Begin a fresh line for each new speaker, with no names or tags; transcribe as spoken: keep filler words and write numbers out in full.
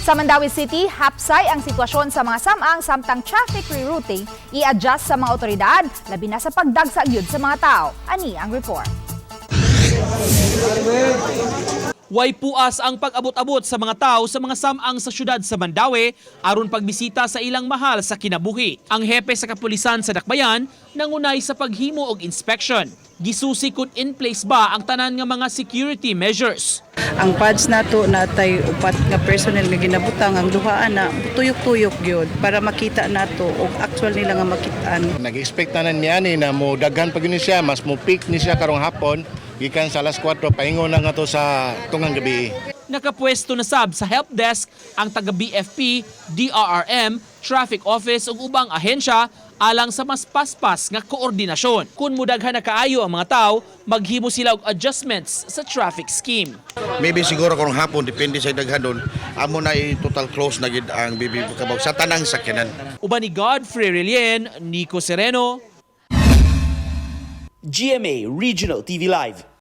Sa Mandawi City, hapsay ang sitwasyon sa mga samang samtang traffic rerouting i-adjust sa mga otoridad, labi na sa pagdagsag yun sa mga tao. Ani ang report.
Way puas ang pag-abot-abot sa mga tao sa mga samang sa syudad sa Mandawi aron pagbisita sa ilang mahal sa kinabuhi. Ang hepe sa kapulisan sa Dakbayan nangunay sa paghimo og inspection. Gisusi kung in place ba ang tanan nga mga security measures.
Ang pads nato natay upat nga personnel nga ginabutang ang duhaan na tuyok-tuyok gyud para makita nato og actual nila nga makitaan.
Nag-expect na niya ni na mo daghan pag yun siya, mas mo peak ni siya karong hapon, gikan sa alas kwatro paingon na nga to sa tungang gabi.
Nakapwesto na sab sa help desk ang taga-B F P, D R R M, Traffic Office ug ubang ahensya alang sa mas paspas nga koordinasyon. Kung mudaghan na kaayo ang mga tao, maghimo sila og adjustments sa traffic scheme.
Maybe siguro karong hapon, depende sa daghan doon, amo na i-total close na gid ang B B Kabaw sa tanang sakyanan.
Uban ni Godfrey Relien, Nico Sereno,
G M A Regional T V Live.